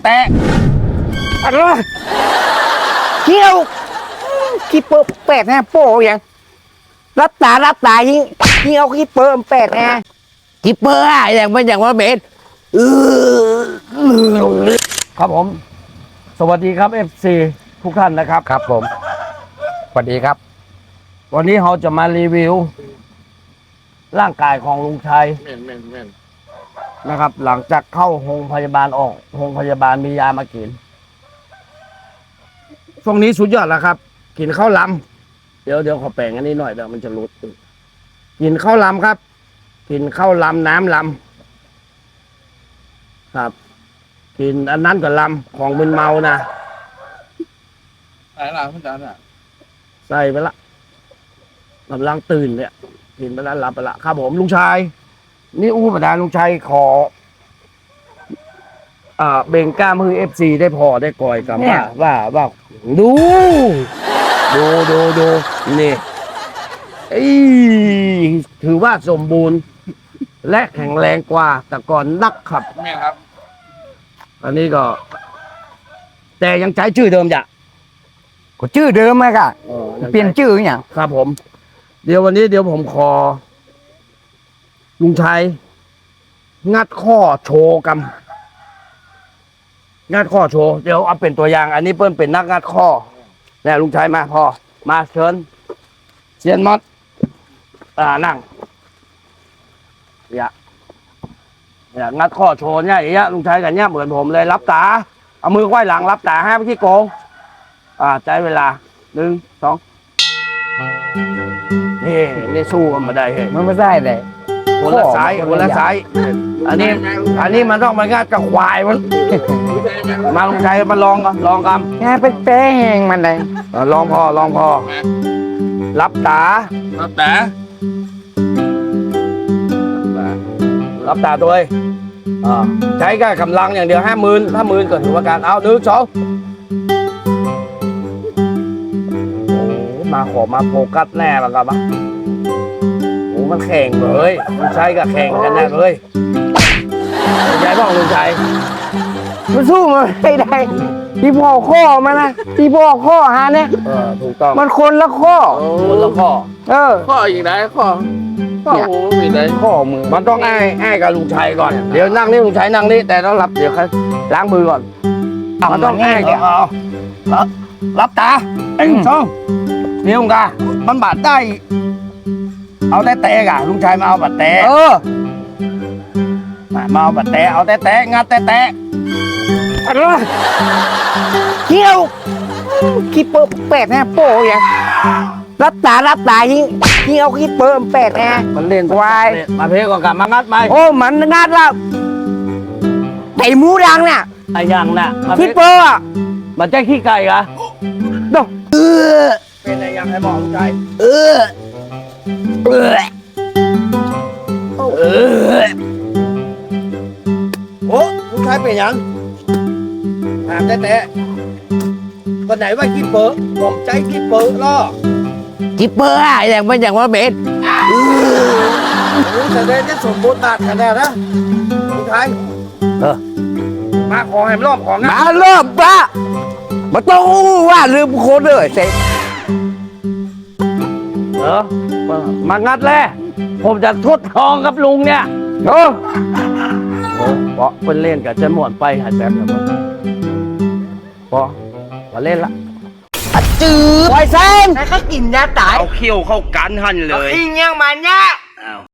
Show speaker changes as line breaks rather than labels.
ะอะไรเที่ยวขี้เปิดแปดแน่โป้ยังรับตายิงเอาขี้เปิดแปดแน่ขี้เปิดอย่างมันอย่างว่าเบสครับผมสวัสดีครับ FC ทุกท่านนะครับครับผมสวัสดีครับวันนี้เราจะมารีวิวร่างกายของลุงชัยนะครับหลังจากเข้าโรงพยาบาลออกโรงพยาบาลมียามากินช่วงนี้สุดยอดแล้วครับกินข้าวลำเดี๋ยวขอแปลงอันนี้หน่อยเดี๋ยวมันจะรุดกินข้าวลำครับกินข้าวลำน้ำลำครับกินอันนั้นก็ลำของมึนเมานะ
ใส่ละคุณจานอ่ะ
ใส่ไปละกำลังตื่นเนี่ยกินไปแล้วหลับไปละครับผมลุงชายนี่อู้ประดาลุงชัยขอเบ่งกล้ามมือ FC ได้พอได้ก่อยกับว่าดูนี่ถือว่าสมบูรณ์และแข็งแรงกว่าแต่ก่อนนักครับ
แม่ครับ
อันนี้ก็แต่ยังใช้ชื่อเดิมจ้ะ
ก็ชื่อเดิมไหมกะเปลี่ยนชื่ออย่าง
ครับผมเดี๋ยวผมขอลุงชัยงัดข้อโชว์กันงัดข้อโชว์เดี๋ยวเอาเป็นตัวอย่างอันนี้เปิ้ลเป็นนักงัดข้อเนี่ยลุงชัยมาพอมาเชิญเซียนมอสนั่งเนี่ยงัดข้อโชว์เนี่ยอย่างเงี้ยลุงชัยกันเนี่ยเหมือนผมเลยรับตาเอามือไขว้หลังรับตาให้พี่โกงใช้เวลา1 2นี่สู้กันมาได้เฮ้ย
มันไม่ได้เลย
คนละสายอันนี้มันต้องมางัดกับควายมันมาลุงชัยมาลองกัน
แค่เป็นแป้งมันเลย
ลองพอรับตาตัวเองใช้กับกำลังอย่างเดียว50,000ถ้า10,000ก็ถือว่าการเอา1 2มาโฟกัสแน่แล้วกันปะโอ้มันแข่งเลยลุงชัยกับแข่งกันแน่เลยลุงชัยบอกลุงชัย
มันสู้มันไม่ได้ที่พ่อข้อมานะที่พ่อข้อหาเนี่ย
ถูกต้อง
มันคนละข้อ
ข้ออีกไหนข้อหูมีไหน
ข้อมือ
มันต้องอ้กับลุงชัยก่อนเดี๋ยวนั่งนี่ลุงชัยนั่งนี่แต่ต้องรับเดี๋ยวล้างมือก่อนมันต้องอ้ก่อนรับตา1 2นี่ลุงกามันบาดได้เอาแต่กะลุงชัยมาเอาบาดแต่มาเอาบาดแต่เอาแต่งัดแต่
อะไรเที่ยวขี้เปิดแปดแน่โป้ยังรับตายิงเอาขี้เปิดแปดแน่
มันเล่น
ควาย
มาเพก่อนกับมางัดไหม
โอ้มันงัดแล้วไก่หมูดังเนี่ย
ไอ้ยังน่ะ
ขี้เปิด
มันจะขี้ไก่เหรอ
ดู
เป็นอะไรยังให้บอกลุงชัยโอ้ลุงชัยเป็นยังถามแต่คนไหนว่าขี้เปิดผมใจขี้เปิดล่อ
ขี้เปิดอย่างมันอย่างว่าเบส
แต่เด่นจะสมบูรณ์บาดขนาดนะลุงชัยมาขอให้รอบของ
นะมารอบปะมาต้องว่าลืมคนเลยเสร็จ
มางัดแล้วผมจะทดลองกับลุงเนี่ยเพราะเป็นเล่นกับจะหมดไปหายแป๊บเดียวพอมาเล่นละ
จืดไวเซนให้เขากินยาตาย
เอาเขี้ยวเข้ากันหันเลย
อิงยังมันเนี่ย